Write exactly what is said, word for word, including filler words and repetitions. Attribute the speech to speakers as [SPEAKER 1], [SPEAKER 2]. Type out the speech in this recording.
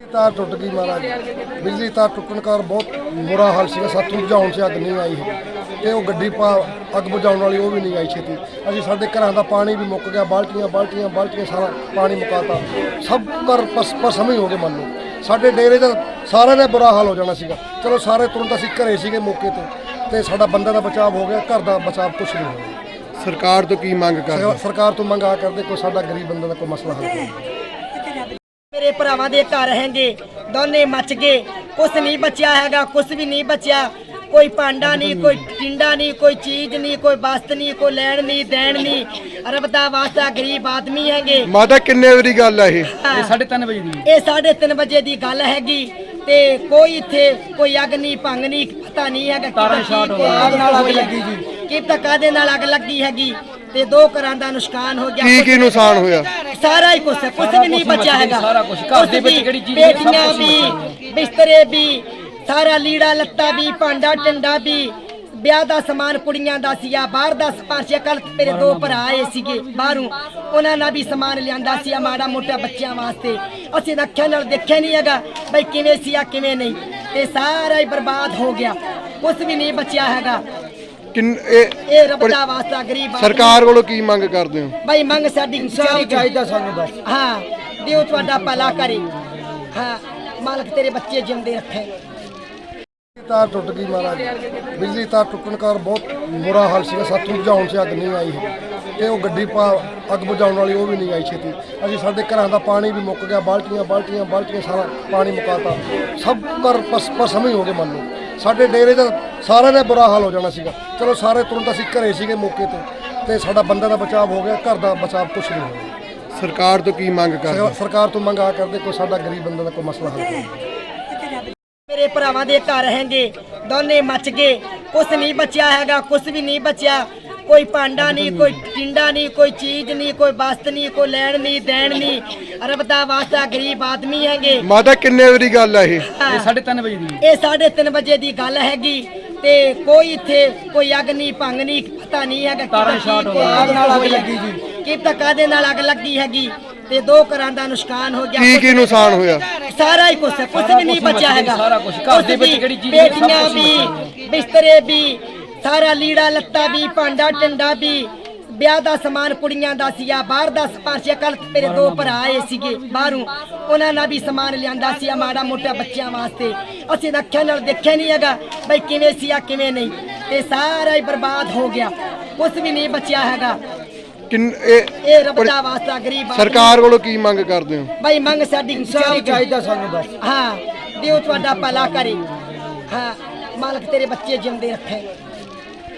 [SPEAKER 1] तार टुट गई महाराज, बिजली तार टुटन कार बहुत बुरा हाल से सातों बुझाने से अग नहीं आई है तो वो गड्डी पा अग बुझाने वाली वो भी नहीं आई छेती। अभी साढ़े घर का पानी भी मुक गया, बाल्टियां बाल्टियां बाल्टियां सारा पानी मुकाता, सब घर पस पसम ही हो गए। मान लो साढ़े डेरे का सारे ने बुरा हाल हो जाना सीगा। चलो सारे तुरंत असीं घरे सीगे मौके ते ते साडा बंदे का बचाव हो गया, घर का बचाव कुछ नहीं होया।
[SPEAKER 2] सरकार तो की मंग कर
[SPEAKER 1] सरकार तो मंग आ करदे कोई साडा गरीब बंदे का कोई मसला हल करे।
[SPEAKER 3] मेरे भरावां दे घर हैगे दोने मच गए, कुछ नहीं बचिया हैगा, कुछ भी नहीं बचिया। कोई भांडा नहीं, कोई टिंडा नहीं, कोई चीज नहीं, कोई वस्त नहीं, कोई लैण नहीं देण नहीं। रब दा वास्ता गरीब आदमी हैगे।
[SPEAKER 2] माता किन्ने बड़ी गल है ये?
[SPEAKER 4] साढ़े तीन बजे दी
[SPEAKER 3] ये साढ़े तीन बजे दी गल हैगी ते कोई इत्थे कोई अग नहीं भंग नहीं पता नहीं हैगा
[SPEAKER 4] तारां शार्ट हो गईਆਂ,
[SPEAKER 3] अग नाल अग लगी जी कि पता कादे नाल अग लगी हैगी ते दो घरां दा नुकसान हो गया।
[SPEAKER 2] की की नुकसान होया?
[SPEAKER 3] सारा ही कुछ कुछ भी नहीं बचा हैगा।
[SPEAKER 4] सारा कुछ घर दे विच किहड़ी चीज
[SPEAKER 3] पेटियां भी, बिस्तरे भी, सारा लीड़ा लत्ता भी, भांडा टिंडा भी, ब्याह ਦਾ ਸਮਾਨ ਕੁੜੀਆਂ ਦਾ ਸੀਗਾ, ਬਾਹਰ ਦਾ ਸਮਾਨ ਸੀ। ਕੱਲ ਮੇਰੇ ਦੋ ਭਰਾ ਆਏ ਸੀਗੇ ਬਾਹਰੋਂ, ਉਹਨਾਂ ਨਾਲ ਵੀ ਸਮਾਨ ਲਿਆਂਦਾ ਸੀ ਮਾੜਾ ਮੋਟਾ ਬੱਚਿਆਂ ਵਾਸਤੇ। ਅਸੀਂ ਤਾਂ ਅੱਖਾਂ ਨਾਲ ਦੇਖਿਆ ਨਹੀਂ ਹੈਗਾ ਬਈ ਕਿਵੇਂ ਸੀ ਆ ਕਿਵੇਂ ਨਹੀਂ, ਤੇ ਸਾਰਾ ਹੀ ਬਰਬਾਦ ਹੋ ਗਿਆ, ਕੁਝ ਵੀ ਨਹੀਂ ਬਚਿਆ ਹੈਗਾ।
[SPEAKER 2] ਕਿੰਨ ਇਹ
[SPEAKER 3] ਇਹ ਰੱਬ ਦਾ ਵਾਸਤਾ ਗਰੀਬ
[SPEAKER 2] ਸਰਕਾਰ ਕੋਲੋਂ ਕੀ ਮੰਗ ਕਰਦੇ ਹੋ?
[SPEAKER 3] ਬਈ ਮੰਗ ਸਾਡੀ ਇਨਸਾਫ ਚਾਹੀਦਾ ਸਾਨੂੰ ਬਸ। ਹਾਂ ਦਿਓ ਤੁਹਾਡਾ ਭਲਾ ਕਰੇ। ਹਾਂ ਮਾਲਕ ਤੇਰੇ ਬੱਚੇ ਜਿਉਂਦੇ ਰੱਖੇ।
[SPEAKER 1] तार टुट गई महाराज, बिजली तार टुटन कार बहुत बुरा हाल से सातों बुझाने से अग नहीं आई है तो वो गड्डी पा अग बुझाने वाली वो भी नहीं आई छेती। अभी साढ़े घर का पानी भी मुक गया, बाल्टियां बाल्टियां बाल्टियां सारा पानी मुकाता, सब घर पस पसम ही हो गए। मान लो साढ़े डेरे का सारे ने बुरा हाल हो जाना सीगा। चलो सारे तुरंत असीं घरे सीगे मौके ते ते साडा बंदे का बचाव हो गया, घर का बचाव कुछ नहीं होया।
[SPEAKER 2] सरकार तो की मंग कर
[SPEAKER 1] सरकार तो मंग आ करदे कोई साडा गरीब बंदे का कोई मसला हल करे।
[SPEAKER 3] मेरे भरावां दे घर हैगे दोने मच गए, कुछ नहीं बचिया हैगा, कुछ भी नहीं बचिया। कोई भांडा नहीं, कोई टिंडा नहीं, कोई चीज नहीं, कोई वस्त नहीं, कोई लैण नहीं देण नहीं। रब दा वास्ता गरीब आदमी हैगे।
[SPEAKER 2] माता किन्ने बड़ी गल है ये?
[SPEAKER 4] साढ़े तीन बजे दी
[SPEAKER 3] ये साढ़े तीन बजे दी गल हैगी ते कोई इत्थे कोई अग नहीं भंग नहीं पता नहीं हैगा
[SPEAKER 4] तारां शार्ट हो गईਆਂ,
[SPEAKER 3] अग नाल अग लगी जी कि पता कादे नाल अग लगी हैगी ते दो घरां दा नुकसान हो गया।
[SPEAKER 2] की की नुकसान होया?
[SPEAKER 3] सारा ही कुछ कुछ भी नहीं बचा हैगा।
[SPEAKER 4] सारा कुछ घर दे विच किहड़ी चीज
[SPEAKER 3] पेटियां भी, बिस्तरे भी, सारा लीड़ा लत्ता भी, भांडा टिंडा भी, ब्याह ਦਾ ਸਮਾਨ ਕੁੜੀਆਂ ਦਾ ਸੀਗਾ, ਬਾਹਰ ਦਾ ਸਮਾਨ ਸੀ। ਕੱਲ ਮੇਰੇ ਦੋ ਭਰਾ ਆਏ ਸੀਗੇ ਬਾਹਰੋਂ, ਉਹਨਾਂ ਨਾਲ ਵੀ ਸਮਾਨ ਲਿਆਂਦਾ ਸੀ ਮਾੜਾ ਮੋਟਾ ਬੱਚਿਆਂ ਵਾਸਤੇ। ਅਸੀਂ ਤਾਂ ਅੱਖਾਂ ਨਾਲ ਦੇਖਿਆ ਨਹੀਂ ਹੈਗਾ ਬਈ ਕਿਵੇਂ ਸੀ ਆ ਕਿਵੇਂ ਨਹੀਂ, ਤੇ ਸਾਰਾ ਹੀ ਬਰਬਾਦ ਹੋ ਗਿਆ, ਕੁਝ ਵੀ ਨਹੀਂ ਬਚਿਆ ਹੈਗਾ।
[SPEAKER 2] ਕਿੰਨ ਇਹ
[SPEAKER 3] ਇਹ ਰੱਬ ਦਾ ਵਾਸਤਾ ਗਰੀਬ
[SPEAKER 2] ਸਰਕਾਰ ਕੋਲੋਂ ਕੀ ਮੰਗ ਕਰਦੇ ਹੋ?
[SPEAKER 3] ਬਈ ਮੰਗ ਸਾਡੀ ਇਨਸਾਫ ਚਾਹੀਦਾ ਸਾਨੂੰ ਬਸ। ਹਾਂ ਦਿਓ ਤੁਹਾਡਾ ਭਲਾ ਕਰੇ। ਹਾਂ ਮਾਲਕ ਤੇਰੇ ਬੱਚੇ ਜਿਉਂਦੇ ਰੱਖੇ।